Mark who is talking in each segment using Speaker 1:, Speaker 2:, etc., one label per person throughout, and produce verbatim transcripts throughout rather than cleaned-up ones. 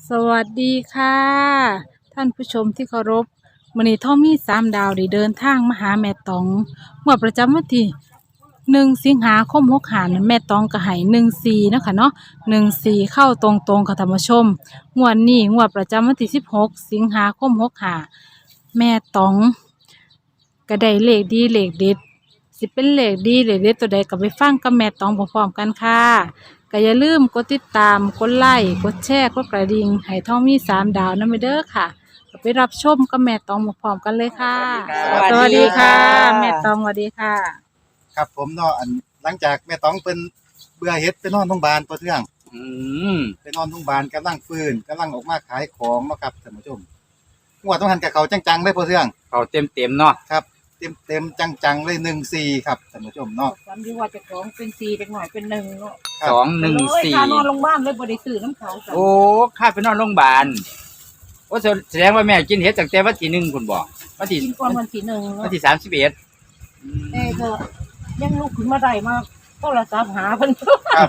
Speaker 1: สวัสดีค่ะท่านผู้ชมที่เคารพมื้อนี้ท่อมีสามดาวได้เดินทางมาหาแม่ตองเมื่อประจำวันที่หนึ่งสิงหาคมหกห้านั้นแม่ตองก็ให้หนึ่งสี่เนาะคะเนาะหนึ่งสี่เข้าตรงๆค่ะท่านผู้ชมงวดนี้งวดประจำวันที่สิบหกสิงหาคมหกห้าแม่ตองก็ได้เลขดีเลขเด็ดสิเป็นเลขดีเลขเด็ดตัวใดก็ไปฟังกับแม่ตองพร้อมๆกันค่ะ ก็อย่าลืมกดติดตาม กดไลค์ กดแชร์ กดกระดิ่งให้ท่องมีสามดาวนั่นไปเด้อค่ะก็ไปรับชมกับแม่ตองพร้อมๆกันเลยค่ะ
Speaker 2: สวัสดีครับ
Speaker 1: สวัสดีค่ะ แม่ตองสวัสดีค่ะ
Speaker 2: ครับผมเนาะอันหลังจากแม่ต้องเป็นเบื่อเฮ็ดไปนอนโรงพยาบาลตัวเทื่อง
Speaker 3: อืม
Speaker 2: ไปนอนโรงพยาบาลกำลังฟื้นกำลังออกมาขายของเนาะครับท่านผู้ชมงวดต้องหันกับเขาจังๆเลยตัวเทื่อง
Speaker 3: เขาเต็มเต็มๆเนาะ
Speaker 2: ครับเต็มเต็มๆจังๆเลยหนึ่งสี่ครับท่านผู้ชมเนาะ
Speaker 1: จำดีว่าจะของเป็นสี่เด็กหน่อยเป็นหนึ่งเนาะ
Speaker 2: ครับ
Speaker 3: สองหนึ่งสี่
Speaker 1: ค่านอนโรงพยาบาลเลยบ่ได้ซื้อน้ำเขาจ้ะ
Speaker 3: โอ้ข้าไปนอนโรงพยาบาลโอ้แสแสดงว่าแม่กินเห็ดตั้งแต่วันที่หนึ่งคุณบอกวันที่
Speaker 1: กินก่อนวันที่หนึ่ง
Speaker 3: วั
Speaker 1: เนาะ
Speaker 3: นที่สามสิบเอ็ด
Speaker 1: เอ้ก็ยังลุกขึ้นมาได้มาโทรศัพท์หาเพิ่น
Speaker 2: ครับ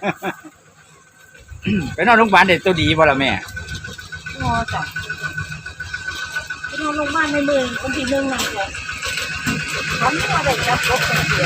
Speaker 3: ไปนอนโรงพยาบาลเด็ดตัวดีบ่ละแม่
Speaker 1: งอจ้ะไปนอนโรงพยาบาลในมือวันที่หนึ่งนั่นแหละทำมาได้จับรถเสีย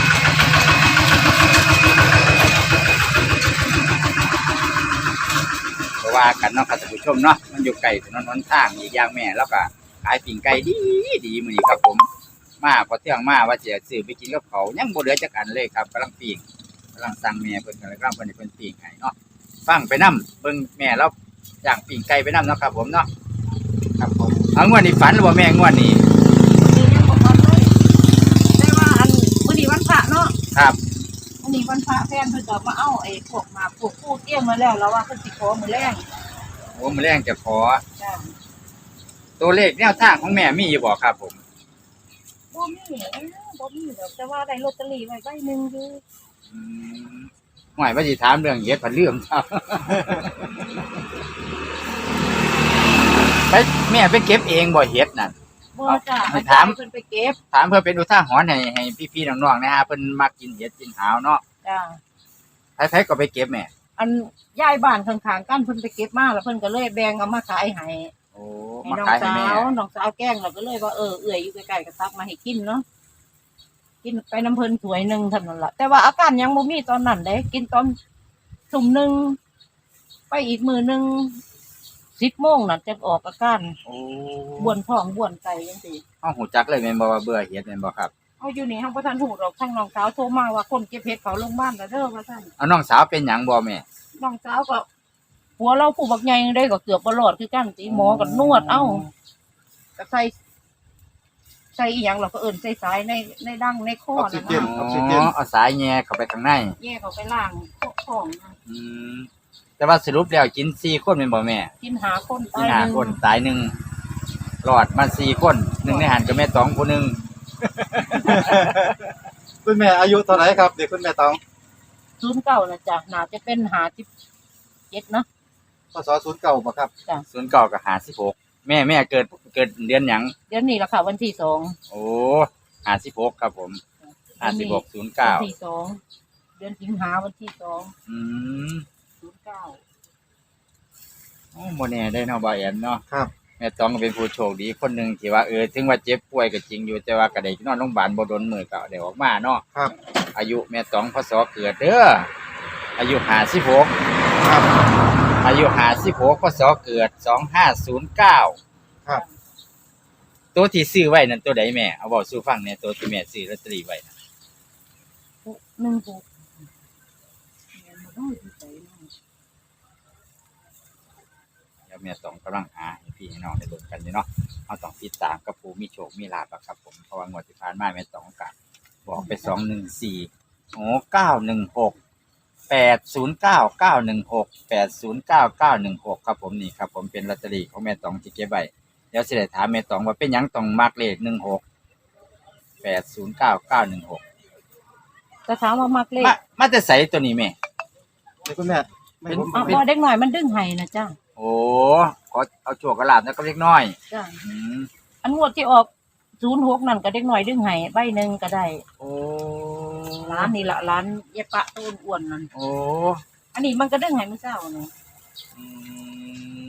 Speaker 3: เพราะว่ากันเนาะครับท่านผู้ชมเนาะมันอยู่ไกลถนนหนทางอีกอย่างแม่แล้วก็ขายปิ่งไก่ดีดีมื้อนี้ครับผมมาพอเที่ยงมาว่าจะซื้อไปกินกับเขาวยังบ่เหลือจักอันเลยครับกำลังปิ้งกำลังสั่งแม่เพิ่นกำลังเพิ่นให้เพิ่นปิ้งให้เนาะฟังไปนํเบิ่งแม่เราย่างปิ้งไก่ไปนํเนาะครับผมเนาะ
Speaker 2: ครับผม
Speaker 3: เอางวดนี้ฝันหรือบ่แม่งวดนี้
Speaker 1: วันนี้ยังบ่ทันเลยได้ว่าอันมื้อนี้วันพระเนาะ
Speaker 3: ครับ
Speaker 1: มื้อนี้วันพระแฟนเพิ่นก็มาเอาไอ้พวกหมากพวกผู้เตรียมมาแล้วแล้วว่าเพิ่นสิขอมื้อแรง
Speaker 3: โอ้มื้อแรงจะขอ
Speaker 1: จ้ะ
Speaker 3: ตัวเลขแนวทางของแม่มีอยู่บ่ครับผม
Speaker 1: บ่มีเอ้อบ่มีดอกแต่ว่าได้ลอตเตอรี่ไว้ใบหนึงอยู่
Speaker 3: อืมหวยว่าสิถามเรื่องเฮ็ดผันลืมครับ ไปแม่ไปเก็บเองบ่เฮ็ดนั่น
Speaker 1: บ่จ้ะ
Speaker 3: ให้
Speaker 1: อา
Speaker 3: ถาม
Speaker 1: จารย์เพิ่นไปเก็บ
Speaker 3: ถามเพื่อเป็นอุทาหรณ์ให้ให้พี่ๆน้องๆนะฮะเพิ่นมักกินเฮ็ดกินหาวเนาะ
Speaker 1: จ้ะ
Speaker 3: ใครๆก็ไปเก็บแม่
Speaker 1: อันยายบ้านข้างๆกันเพิ่นไปเก็บมาแล้วเพิ่นก็เลยแบ่งเอามาขายให้
Speaker 3: โอ้
Speaker 1: ให้
Speaker 3: มา
Speaker 1: น้อง
Speaker 3: ขายให้
Speaker 1: สา
Speaker 3: แม่
Speaker 1: วน้องสาวแกล้งแล้วก็เลยว่าเออเอื้อยอยู่ใกล้ๆก็ทักมาให้กินเนาะกินไปน้ำเพิ่นถ้วยหนึงเท่านั้นล่ะแต่ว่าอาการยังบ่มีตอนนั้นเด้กินตอนทุ่มหนึงไปอีกมื้อหนึงสิบโมงน่ะจะออกอาการ
Speaker 3: โอ้
Speaker 1: บ้วนท้องบ้วนไตจังซี่
Speaker 3: เฮาฮู้จักเลยแม่นบ่ว่าเบื่อเฮ็ดแม่นบ่ครับ
Speaker 1: เอาอยู่นี่เฮาบ่ทันฮู้ดอกทางน้องสาวโทรมาว่าคนเก็บเห็ดเขาโรงพยาบาลแล้วเด้อว่าซั่น
Speaker 3: เอาน้องสาวเป็นหยังบ่แม่
Speaker 1: น้องสาวก็ผัวเราผู้บักใหญ่ได้ก็เกือบบ่รอดคือกันติหมอก็นวดเอ้าก็ใส่ใส่อีหยังเราก็เอิ้นใส่สายในในดังในคอนั่น
Speaker 2: เย็
Speaker 1: น่ะ
Speaker 2: น
Speaker 3: อ๋อเอาสายแย่เข้าไปข้างใน
Speaker 1: แย่เขาไปล้างท้องนะ
Speaker 3: อืมแต่ว่าสรุปแล้วกินสี่คนแม่นบ่แม่
Speaker 1: กินหาคน
Speaker 3: กิ
Speaker 1: ตาน ย
Speaker 3: ห้า
Speaker 1: หนึ่ง
Speaker 3: คนตายหนึ่งรอดมาสี่คนหนึ่งในหันกับแม่ตองผู้หนึ่ง
Speaker 2: คุณแม่อายุเท่าไหร่ครับเด็กคุณแม่ต้อง
Speaker 1: ศูนย์เก้านะจ๊ะน่าจะเป็นหาสิบเจ็ดเนาะ
Speaker 2: พศศูนย์เก้าบ่ครับ
Speaker 3: ส่วนเก่ากับหาสิบหกแม่แม่เกิดเกิดเดือนหยัง
Speaker 1: เดี๋ยวนี้ละค่ะวันที่สอง
Speaker 3: โอ้หาสิบหกครับผมหาสิบหกศูนย์เก้า
Speaker 1: วันที่สองเดือนสิงหาวันที่สอง
Speaker 3: อืม
Speaker 1: ศูนย์เก้า
Speaker 3: โอ้โมแน่ได้เนาะบาแอนเนาะ
Speaker 2: ครับ
Speaker 3: แม่ตองก็เป็นผู้โชคดีคนหนึ่งที่ว่าเออถึงว่าเจ็บป่วยก็จริงอยู่แต่ว่าก็ได้นอนโรงพยาบาลบ่โดนมือก็ได้ออกมาเนาะ
Speaker 2: ครับ
Speaker 3: อายุแม่ตองพศเกิดเด้ออายุห้าสิบหก
Speaker 2: ครับ
Speaker 3: อายุห้าสิบหกพศเกิดสองห้าศูนย์เก้า
Speaker 2: ครับ
Speaker 3: ตัวที่ซื้อไว้นั่นตัวใดแม่เอาบอกสู้ฟังเนี่ยตัวที่แม่ซื้อลอตเตอรี่ไว้นะ
Speaker 1: หนึ่งหกแม่นบ่น้อยที่ใจเนาะ
Speaker 3: เดี๋ยวแม่ต้องกำลังหาให้พี่ให้น้องได้ลุ้นกันอยู่เนาะเอาต้องติดตามกับผู้มีโชคมีลาภอะครับผมเพราะว่างวดที่ผ่านมาแม่ต้องกันบอกไปสองหนึ่งสี่โอ้เก้าหนึ่งหกแปดศูนย์เก้าเก้าหนึ่งหกแปดศูนย์เก้าเก้าหนึ่งหกครับผมนี่ครับผมเป็นลอตเตอรี่ของแม่ตองที่เก็บไว้เดี๋ยวสิได้ถามแม่ตองว่าเป็นหยังต้องมักเลขหนึ่งหกแปดศูนย์เก้าเก้าหนึ่งหก
Speaker 1: แต่ถามว่ามักเลข
Speaker 3: มามาแต่ใส่ตัวนี้แม่
Speaker 2: เด็กคุณแม่ไม่ผม
Speaker 1: เอา
Speaker 2: ไม่
Speaker 1: พอเด็กหน่อยมันดึงให้นะจ้ะ
Speaker 3: โอ้ขอเอาโชคกระลาบแล้วก็เล็กน้อย
Speaker 1: จ้ะ
Speaker 3: อืม
Speaker 1: อันงวดที่ออกศูนย์หกนั่นก็เด็กหน่อยดึงให้ใบหนึ่งก็ได้
Speaker 3: โอ้
Speaker 1: ร้านนี่ละร้านเยปะต้นอ้วนนั่น
Speaker 3: โอ้
Speaker 1: อันนี้มันก็ดึงให้มื้อเช้านี่
Speaker 3: อืม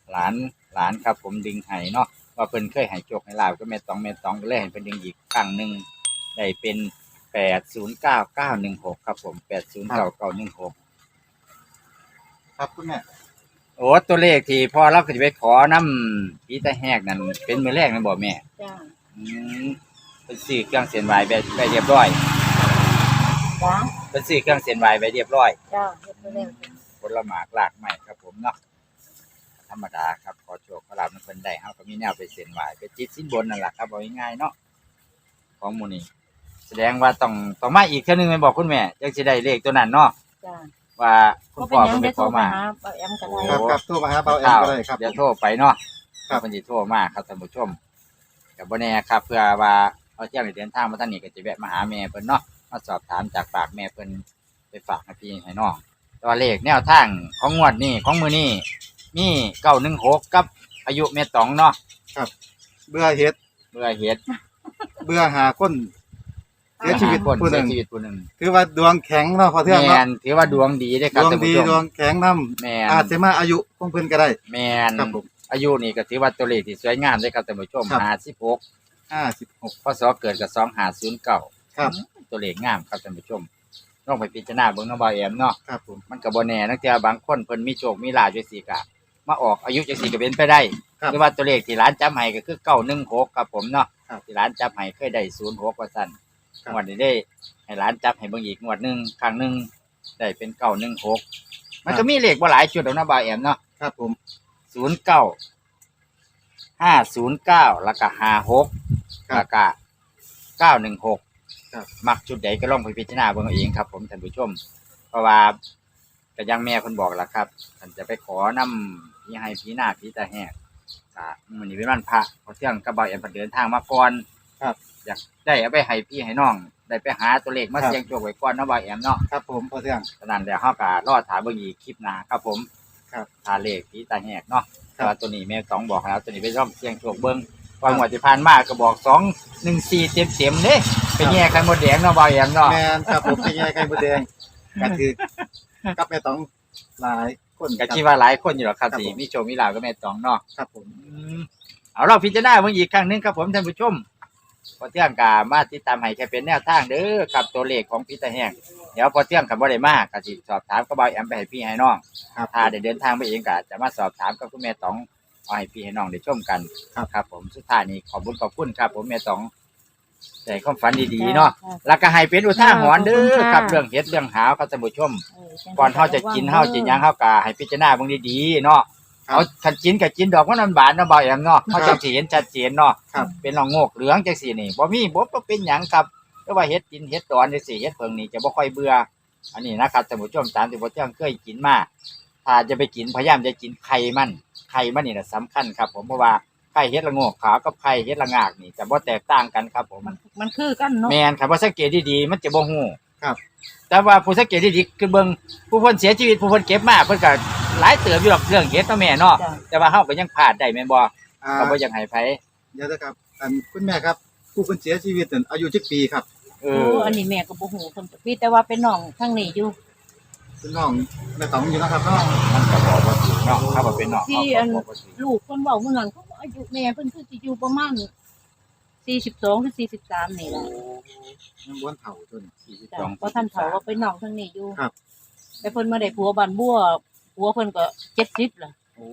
Speaker 3: หลานหลานครับผมดึงให้เนาะว่าเพิ่นเคยให้โชคให้ลาบก็แม่ตองแม่ตองก็เลยให้เพิ่นดึงอีกครั้งหนึงได้เป็นแปดศูนย์เก้าเก้าหนึ่งหกครับผมแปดศูนย์เก้าเก้าหนึ่งหก
Speaker 2: ครับคุณแม่
Speaker 3: โอ้ตัวเลขที่พ่อเราก็สิไปขอนำผีตาแหกนั่นเป็นมื้อแรกแม่นบ่แม่
Speaker 4: จ้า
Speaker 3: อืมเป็นซื้อเครื่องเส้นไหว้ไปไปเรียบร้อย
Speaker 4: จ้า
Speaker 3: เป็นซื้อเครื่องเส้นไหว้ไปเรียบร้อย
Speaker 4: จ้าเฮ็ดไปแล้ว
Speaker 3: ผลหมากลากไม้ครับผมเนาะธรรมดาครับขอโชคขอลาบมันเพิ่นได้เฮาก็มีแนวไปเส้นไหว้ไปจิตสินบนนั่นล่ะครับเอาง่ายๆเนาะของหมู่นี้แสดงว่าต้องต้องมาอีกเทื่อนึงแม่นบอกคุณแม่จังสิได้เลขตัวนั้นเนาะ
Speaker 4: จ้า
Speaker 3: ว่าคุณพ่อเพิ่นไปขอมา
Speaker 4: เอ็มก็ได้
Speaker 2: ครับครับโทรมาหาเบาแอมก็ได้ครับ
Speaker 3: เดี๋ยวโทรไปเนาะ
Speaker 2: ครับ
Speaker 3: เพิ่นสิโทรมาครับท่านผู้ชมก็บ่แน่ครับเพื่อว่าเอาเที่ยงได้เดินทางมาทางนี้ก็จะแวะมาหาแม่เพิ่นเนาะมาสอบถามจากปากแม่เพิ่นไปฝากให้พี่ให้น้องตัวเลขแนวทางของงวดนี้ของมื้อนี้มีเก้าหนึ่งหกกับอายุแม่ตองเนาะ
Speaker 2: เบื่อเฮ็ด
Speaker 3: เบื่อเฮ็ด
Speaker 2: เบื่อหาคนเสียชีวิต
Speaker 3: คน
Speaker 2: ผู้ห
Speaker 3: เสี
Speaker 2: นึ่
Speaker 3: ย
Speaker 2: ง
Speaker 3: ชีวิตผู้หนึง
Speaker 2: ถือว่าดวงแข็งเนาะพอเทื่อง
Speaker 3: แม่
Speaker 2: เนาะ
Speaker 3: นถือว่าดวงดีเด้อค
Speaker 2: ด
Speaker 3: รับ
Speaker 2: วง
Speaker 3: ท่าน
Speaker 2: ดี
Speaker 3: ผู้ช
Speaker 2: ดว
Speaker 3: ม
Speaker 2: งแข็งนํ
Speaker 3: แม่น
Speaker 2: อาจจะมาอายุของเพิ่นก็ได้
Speaker 3: แม่น
Speaker 2: ครับผม
Speaker 3: อายุนี่ก็ถือว่าตัวเลขที่สวยงามเด้อครับท่านผู้ชม
Speaker 2: ครับ
Speaker 3: ห้าสิบหก
Speaker 2: ห้าสิบหก
Speaker 3: พศเกิดกับสองห้าศูนย์เก้า
Speaker 2: ครับ
Speaker 3: ตัวเลขงามครับท่านผู้ชมลองไปพิจารณาเบิ่งเนาะบ่าวแอมเนาะ
Speaker 2: ครับผม
Speaker 3: มันก็บ่แน่นักเที่ยบางคนเพิ่นมีโชคมีลาภจังซี่ก็มาออกอายุจังซี่ก็เป็นไปได้
Speaker 2: ครับ
Speaker 3: หรือว่าตัวเลขที่ร้านจับให้ก็คือเก้าหนึ่งหกครับผมเนาะ
Speaker 2: ครับ
Speaker 3: ที่ร้านจับให้เคยได้ศูนย์หกว่าซั่น
Speaker 2: ครับ
Speaker 3: งวดนี้ได้ให้ร้านจับให้เบิ่งอีกงวดหนึงครั้งหนึงได้เป็นเก้าหนึ่งหกมันก็มีเลขบ่หลายชุดดอกเนาะบ่าวแอมเนาะ
Speaker 2: ครับผม
Speaker 3: ศูนย์เก้า ห้าศูนย์เก้าแล้วก็ห้าหก
Speaker 2: ครับ
Speaker 3: แล้วก็เก้าหนึ่งหก
Speaker 2: ครับ
Speaker 3: มักจุดใดก็ลองไปพิจารณาเบิ่งเอาเองครับผมท่านผู้ชม เพราะว่าก็อยังแม่เพิ่นบอกล่ะครับท่านจะไปขอนำพี่ให้พี่หน้าพี่ตาแหกก็มื้อนี้เป็นวันพระพอเที่ยงกับบ่าวแอมเพิ่นเดินทางมาก่อน
Speaker 2: ครับ
Speaker 3: อยากได้เอาไปให้พี่ให้น้อง ได้ไปหาตัวเลขมา
Speaker 2: ครับ
Speaker 3: เสี่ยงโชคไว้ก่อนเนาะบ่าวแอมเนาะ
Speaker 2: ครับผมพอเทื่อง
Speaker 3: ฉะนั้นแล้วเฮาก็รอถามเบิ่งอีกคลิปหน้าครับผม
Speaker 2: ครับ
Speaker 3: ทาเลขพี่ตาแหกเนาะ
Speaker 2: ครับ
Speaker 3: แต่ว่าตัวนี้แม่ต้องบอกแล้วตัวนี้ไปร่องเสี่ยงโชคเบิ่งว่างวดที่ผ่านมาก็บอกสอง หนึ่ง สี่เต็มๆเด้ไปแย่กันหมดแดงเนาะบ่าวแอมเนาะ
Speaker 2: แม่นครับผมเป็นไงไข่มดแดงก็คือกับแม่ต้องหลายคน
Speaker 3: ก็
Speaker 2: รับ
Speaker 3: คิดว่าหลายคนอยู่หรอกครับ
Speaker 2: ครับ
Speaker 3: ที่
Speaker 2: ผม
Speaker 3: มีโชคมีลาภก็แม่ตองเนาะ
Speaker 2: ครับผม
Speaker 3: อืมเอาเราพิจารณาเบิ่งอีกครั้งหนึงครับผมท่านผู้ชมพอเที่ยงกามาติดตามให้แค่เป็นแนวทางเด้อกับตัวเลขของพี่ตาแห้งเดี๋ยวพอเที่ยงคันบ่ได้มาก็สิสอบถามกับบ่าวแอมไปให้พี่ให้น้อง
Speaker 2: ครับ
Speaker 3: ถ้าได้เดินทางไปเองก็จะมาสอบถามกับคุณแม่ตองเอาให้พี่ให้น้องได้ชมกัน
Speaker 2: ครับ
Speaker 3: ครับ ผมสุดท้ายนี้ขอบคุณขอบคุณครับ ผมแม่ตองใจความฝันดีๆเนาะแล้วก็ให้เป็นอุทาหรณ์เด้อครับเรื่องเฮ็ดเรื่องหาวครับท่านผู้ชม ก่อนเฮาจะกินเฮาจะหยังเฮาก็ให้พิจารณาเบิ่งดีๆเนาะ
Speaker 2: ครับ
Speaker 3: เอาคันกินก็กินดอกมันบานๆเนาะบ่าวแอมเนาะ
Speaker 2: ครั
Speaker 3: เฮา
Speaker 2: บ
Speaker 3: จังสิเห็นชัดเจนเนาะ
Speaker 2: ครับ
Speaker 3: เป็นรองโงกเหลืองจังซี่นี่บ่มีบ่บ่เป็นหยังครับแต่ว่าเฮ็ดกินเฮ็ดดอนจังซี่เฮ็ดเพิ่งนี่จะบ่ค่อยเบื่ออันนี้นะครับท่านผู้ชมตามที่บ่เที่ยงเคยกินมาถ้าจะไปกินพยายามจะกินไข่มันไข่มันนี่น่ะสำคัญครับ ผมเพราะว่าไข่เฮ็ดละโงกขาวกับไข่เฮ็ดละงากนี่จะบ่แตกต่างกันครับผม
Speaker 4: มันมันคือกันเนาะ
Speaker 3: แม่นครับว่าสังเกตดีๆมันจะบ่ฮู้
Speaker 2: ครับ
Speaker 3: แต่ว่าผู้สังเกตดีๆคือเบิ่งผู้เพิ่นเสียชีวิตผู้เพิ่นเก็บมาเพิ่นก็หลายเติบอยู่หรอกเรื่องเฮ็ดเนาะแม่เนาะ
Speaker 4: จ้ะ
Speaker 3: แต่ว่าเฮาก็ยังพลาดได้แม่นบ่
Speaker 2: อ่า
Speaker 3: ก็บ่อยากให้ไผ
Speaker 2: เดี๋ยวนะครับอันคุณแม่ครับ ผู้คนเสียชีวิตนั่นอายุจักปีครับ
Speaker 3: เอ
Speaker 4: โอ้
Speaker 3: อ
Speaker 4: อันนี้แม่ก็บ่ฮู้เพิ่นพี่แต่ว่าเป็นน้องทางนี้อยู่
Speaker 2: เป็นน้องแม่ต้องอยู่นะครับเนาะ
Speaker 3: มันก็บอกว่าถูกเนาะถ้าว่าเป็นเนาะ
Speaker 4: ที่
Speaker 3: เขา
Speaker 4: อั
Speaker 3: ก็
Speaker 4: น
Speaker 3: บอกว่าถูก
Speaker 4: ลูกเพิ่นเว้าเมื่อนั้นเขาว่าอายุแม่เพิ่นคือสิอยู่ประมาณสี่สิบสองหรือสี่สิบสามนี่ล่ะ
Speaker 2: ยังบ้วนเฒ่าตัวนี้
Speaker 3: สี่สิบ
Speaker 4: จ้ะ
Speaker 3: สอง
Speaker 4: เพราะท่านเขาว่าเป็นน้องทางนี้อยู่
Speaker 2: ครับ
Speaker 4: แต่เพิ่นมาได้ผัวบ้านบัวผัวเพิ่นก็เจ็ดสิบล่ะ
Speaker 2: โอ้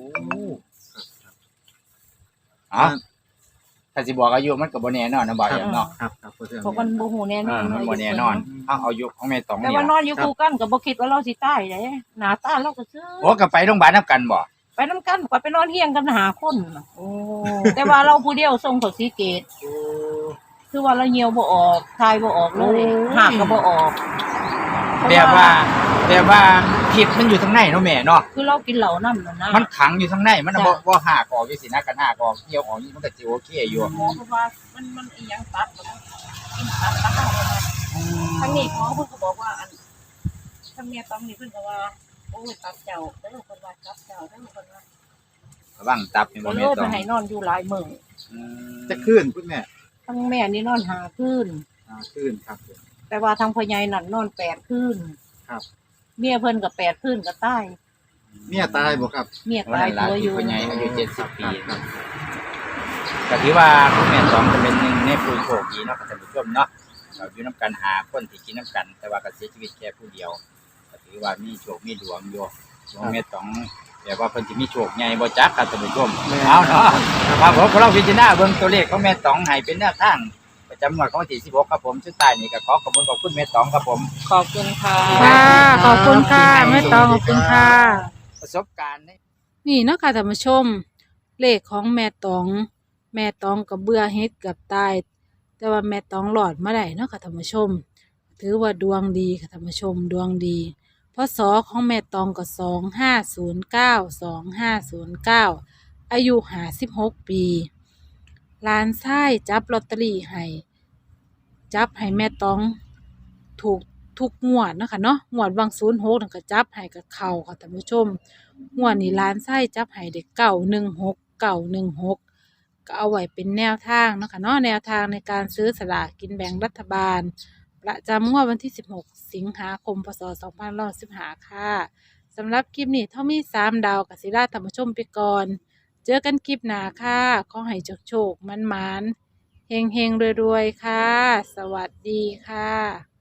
Speaker 3: อ๋อถ้าสิบอกอายุมันก็บ่แน่นอนนะบ่าวแอมเนาะ
Speaker 2: ครับครับพอเทื่อง
Speaker 4: เพราะมันบ่ฮู้แน่น
Speaker 3: เอ
Speaker 4: อ
Speaker 3: อน มันบ่แน่นอนเอาเอาอายุของแม่ตอง
Speaker 4: แต่
Speaker 3: นี่
Speaker 4: ว่านอ
Speaker 3: ล่ะ
Speaker 4: นอยู่คู่กันก็บ่คิดว่าเราสิตายเด้หน้าตาเราก็ซื่อ
Speaker 3: โอ้ก็ไปโรงพยาบาลนํกันบ่
Speaker 4: ไปนำกันก็ไปนอนเฮียงกันหาคนน่ะโอ้แต่ว่าเราผู้เดียวส่งเขาสีเกต
Speaker 2: โอ้
Speaker 4: คือว่าเราเหี่ยวบ่ออกทายบ่ออกเลยหากก็บ่ออก
Speaker 3: แบบว่าแบบว่าผิดมันอยู่ทางในเนาะแม่เนาะ
Speaker 4: คือเรากินเหล้านำนั่นนะ
Speaker 3: มันขังอยู่ทางในมันน่ะบ่
Speaker 4: จ้ะ
Speaker 3: บ่หากออกอยู่สินะกันหากออกเกี่ยวออกนี่มันก็สิโอเคอยู่
Speaker 4: หมอเพราะว่ามันมันอีหยังตัดบ่ได้กินตัดตัดเอาทางนี้หมอเพิ่นก็บอกว่าอันทางเมียตองนี่เพิ่นก็ว่าโอ้ยตัดเจ้าเด้อเพิ่นว่าตัดเจ้าเด้อเพิ่นว่า
Speaker 3: ระวังตับนี่บ่
Speaker 4: ก็เล
Speaker 3: แม่
Speaker 4: ย
Speaker 3: ต
Speaker 4: ไป
Speaker 3: อง
Speaker 4: ให้นอนอยู่หลายมื้อ
Speaker 3: อืม
Speaker 2: จะขึ้นคุณแม่
Speaker 4: ทั้งแม่นี่นอนหาคืน
Speaker 2: อ่าขึ้นครับผม
Speaker 4: แต่ว่าทางพ่อใหญ่นั่นนอนแปดคืน
Speaker 2: ครับ
Speaker 4: เมียเพิ่นก็แปดคืนก็ตาย
Speaker 2: อเมียตายบ่ครับ
Speaker 4: เมีย
Speaker 3: วัน
Speaker 4: ตาย
Speaker 3: นั้นละ
Speaker 4: ตัวอ
Speaker 3: ที่
Speaker 4: ยู่
Speaker 3: พ่อใหญ่อายุเจ็ดสิบปี
Speaker 2: ครับ
Speaker 3: ก็ถือว่าคุณแม่สองก็เป็นหนึ่งในผู้โชคดีเนาะท่านผู้ชมเนาะเราอยู่น้ำกันหาคนที่กินน้ำกัน แต่ว่าก็เสียชีวิตแค่ผู้เดียวก็ถือว่ามีโชคมีดวงอยู่ดวงแม่สองแต่ว่าเพิ่นสิมีโชคใหญ่บ่จักครับท่านผู้ชมเอาเนาะครับผมเราพิจารณาเบิ่งตัวเลขของแม่สองให้เป็นแนวทางประจำงวดของวันที่สิบหกครับผมสุดท้ายนี่ก็ขอขอบคุณขอบคุณแม่สองครับผม
Speaker 4: ขอบคุณค่ะ
Speaker 1: ค่ะขอบคุณค่ะแม่ตองขอบคุณค่ะ
Speaker 3: ประสบการณ์เนี่ย
Speaker 1: นี่เนาะค่ะท่านผู้ชม เลขของแม่ตอง แม่ตองกับเบื่อเฮ็ดกับตาย แต่ว่าแม่ตองหลอดมาได้เนาะค่ะท่านผู้ชม ถือว่าดวงดีค่ะท่านผู้ชมดวงดีพศของแม่ตองก็สองห้าศูนย์เก้าสองห้าศูนย์เก้าอายุห้าสิบหกปีหลานชายจับลอตเตอรี่ให้จับให้แม่ตองถูกทุกงวดเนาะคะเนาะงวดวังศูนย์หกนั่นก็จับให้กับเขาค่ะท่านผู้ชมงวดนี้หลานชายจับให้เด็กเก้าหนึ่งหกเก้าหนึ่งหกก็เอาไว้เป็นแนวทางเนาะค่ะเนาะแนวทางในการซื้อสลากกินแบ่งรัฐบาลประจำงวดวันที่สิบหกสิงหาคมพศสองพันร้อยสิบห้าค่ะสำหรับคลิปนี้เท่ามีสามดาวกับศิลาท่านผู้ชมไปก่อนเจอกันคลิปหน้าค่ะขอให้โชคโชคมันมันๆเฮงเฮงรวยๆค่ะ สวัสดีค่ะ